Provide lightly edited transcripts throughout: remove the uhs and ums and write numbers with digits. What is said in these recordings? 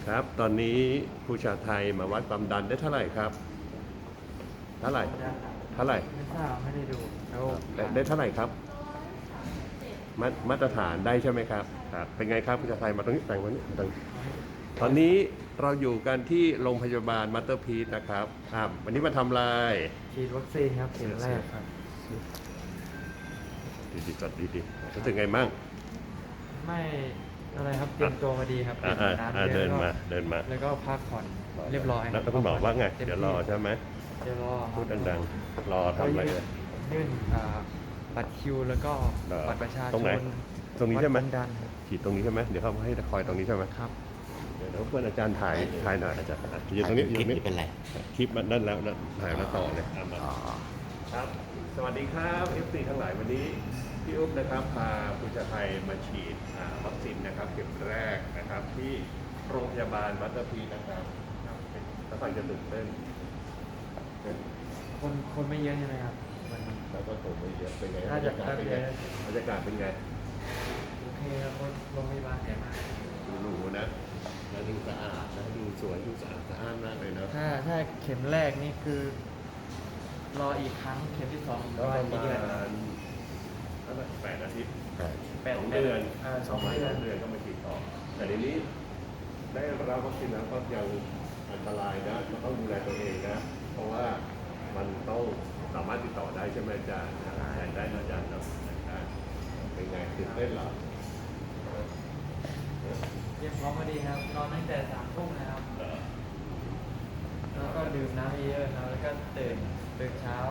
ครับตอนนี้ผู้ชาไทยมาวัดความดันได้เท่าไหร่ครับเท่าไหร่เท่าไหร่ไม่ทราบไม่ได้ดูแล้วได้เท่าไหร่ครับมาตรฐานได้ใช่ไหมครับครับเป็นไงครับผู้ชาไทยมาตรงนี้แต่งวันนี้ตอนนี้เราอยู่กันที่โรงพยาบาลมัตเตอร์พีทนะครับวันนี้มาทำอะไรฉีดวัคซีนครับเข็มแรกครับดีๆจัดดีๆรู้สึกไงมั่งไม่อะไรครับเตรียมตัวมาดีครับน้ำเยอะเดินมาแล้วก็พักผ่อนเรียบร้อยแล้วคุณหมอว่าไงเดี๋ยวรอใช่ไหมเดี๋ยวรอพูดดังๆรอทำอะไรเลยยื่นบัตรคิวแล้วก็บัตรประชาชนตรงไหนตรงนี้ใช่ไหมดันฉีดตรงนี้ใช่ไหมเดี๋ยวเขาให้คอยตรงนี้ใช่ไหมครับเดี๋ยวเพื่อนอาจารย์ถ่ายหน่อยอาจารย์ยืนตรงนี้ยืนตรงนี้เป็นไรคลิปมันนั่นแล้วถ่ายแล้วต่อเลยครับสวัสดีครับเอฟซีทั้งหลายวันนี้พี่อุ๊บนะครับพาผู้ชาไทยมาฉีดวัคซีนนะครับเข็มแรกนะครับที่โรงพยาบาลมัตเตอร์พีนะครับถ้าฟังจะตื่นเต้นคนไม่เยอะใช่ไหมครับแล้วก็ตัวไม่เยอะเป็นไงน่าจะเป็นไงบรรยากาศเป็นไงโอเคครับโรงพยาบาลใหญ่มากดูหรูนะแล้วดูสะอาดนะดูสวยดูสะอาดมากเลยเนาะถ้าเข็มแรกนี่คือรออีกครั้งเข็มที่2 ก็ประมาณกี่เดือน 8 อาทิตย์ 2 เดือน 2 เดือนก็มาฉีดต่อแต่ในนี้ได้รับวัคซีนแล้วก็ยังอันตรายนะเราต้องดูแลตัวเองนะเพราะว่ามันต้องสามารถติดต่อได้ใช่ไหมอาจารย์แทนได้นะอาจารย์เนาะเป็นไงตื่นเต้นเหรอเรียบพร้อมมาดีครับนอนตั้งแต่3 ทุ่มนะครับแล้วก็ดื่มน้ำเยอะๆนะแล้วก็ตื่นเช้า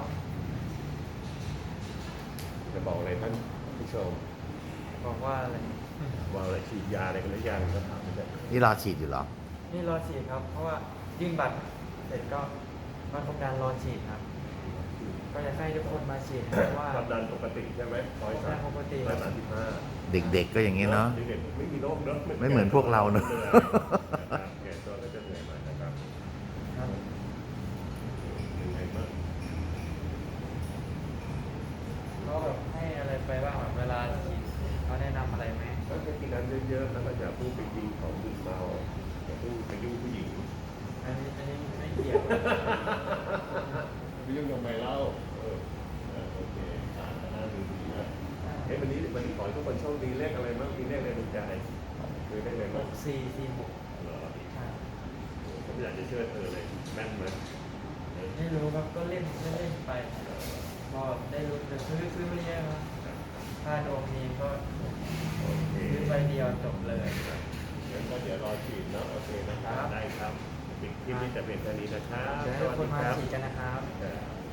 จะบอกอะไรท่านผู้ชมบอกว่าอะไรว่าอะไรฉีดยาอะไรกันหรือยังก็ถามไม่ได้นี่รอฉีดอยู่เหรอนี่รอฉีดครับเพราะว่ายื่นบัตรเสร็จก็มาทำการรอฉีดครับก็อยากให้ทุกคนมาฉีดเพราะว่าความดันปกติใช่ไหมปกติ 135 เด็กๆก็อย่างนี้เนาะเด็กๆไม่มีโรคเนอะไม่เหมือนพวกเราเนอะแก่ตัวก็จะเหนื่อยมานะครับครับยังไงบ้างก็แบบให้อะไรไปบ้างแบบเวลาฉีดเขาแนะนำอะไรไหมก็จะกินน้ำเยอะๆแล้วก็อย่าเพิ่งไปกินของดื่มเมาอย่าเพิ่งไปยุ่งผู้หญิงอันนี้ไม่เกี่ยวไปยุ่งทำไมเล่าโอเคน่าดูดีนะวันนี้ขอให้ทุกคนโชคดีเลขอะไรบ้างมีเลขอะไรในใจคือได้เลยมั้ง 6446 เหรอผมอยากจะเชื่อเธอเลยแม่นไหมไม่รู้ครับก็เล่นไปพอได้รู้แต่ซื้อไม่เยอะครับค่าโดมนี้ก็ซื้อใบเดียวจบเลยงั้นก็เดี๋ยวรอฉีดเนาะโอเคนะครับได้ครับคลิปนี้จะเป็นแค่นี้นะครับเดี๋ยวให้คนมาฉีดกันนะครับ